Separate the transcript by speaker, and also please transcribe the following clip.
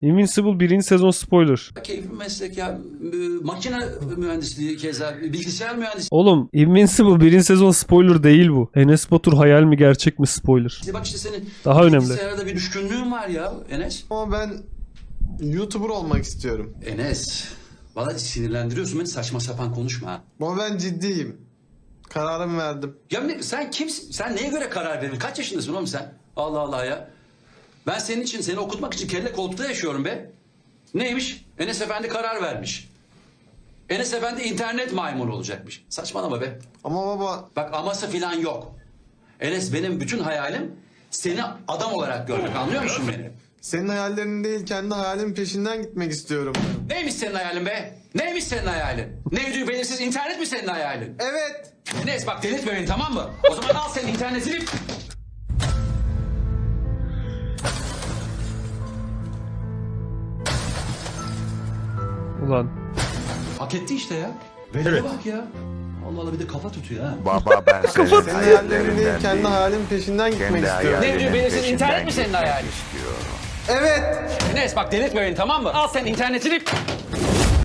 Speaker 1: Invincible 1. sezon spoiler.
Speaker 2: Keyifli bir meslek ya. Makine mühendisliği keza, bilgisayar mühendisliği.
Speaker 1: Oğlum Invincible 1. sezon spoiler değil bu. Enes Batur hayal mi gerçek mi spoiler.
Speaker 2: Bak işte senin
Speaker 1: Daha önemli.
Speaker 2: bilgisayarda bir düşkünlüğün var ya Enes.
Speaker 3: Ama ben YouTuber olmak istiyorum.
Speaker 2: Enes, valla sinirlendiriyorsun beni, saçma sapan konuşma ha.
Speaker 3: Ama ben ciddiyim. Kararımı verdim.
Speaker 2: Ya sen kimsin? Sen neye göre karar verin? Kaç yaşındasın oğlum sen? Allah Allah ya. Ben senin için, seni okutmak için kelle koltukta yaşıyorum be. Neymiş? Enes Efendi karar vermiş. Enes Efendi internet maymunu olacakmış. Saçmalama be.
Speaker 3: Ama baba
Speaker 2: Bak aması filan yok. Enes, benim bütün hayalim seni adam olarak görmek, anlıyor musun beni?
Speaker 3: senin hayallerin değil kendi hayalimin peşinden gitmek istiyorum.
Speaker 2: Neymiş senin hayalin be? Neymiş senin hayalin? Nevcü belirsiz internet mi senin hayalin?
Speaker 3: Evet.
Speaker 2: Enes bak, delirtme beni, tamam mı? O zaman al senin internetini.
Speaker 1: Ulan.
Speaker 2: Hak etti işte ya. Velere bak ya. Allah Allah, bir de kafa tutuyor ha.
Speaker 4: Baba ben senin
Speaker 3: Senin hayallerin değil
Speaker 4: hayallerinden
Speaker 3: kendi
Speaker 4: değil,
Speaker 3: hayalimin peşinden gitmek
Speaker 4: kendi
Speaker 3: istiyorum.
Speaker 4: hayalinin
Speaker 2: Nevcü belirsiz
Speaker 4: peşinden
Speaker 2: internet mi senin
Speaker 4: gitmek
Speaker 2: hayalin?
Speaker 4: istiyorum.
Speaker 3: Evet.
Speaker 2: Enes bak, delirtme beni, tamam mı? Al sen internetini.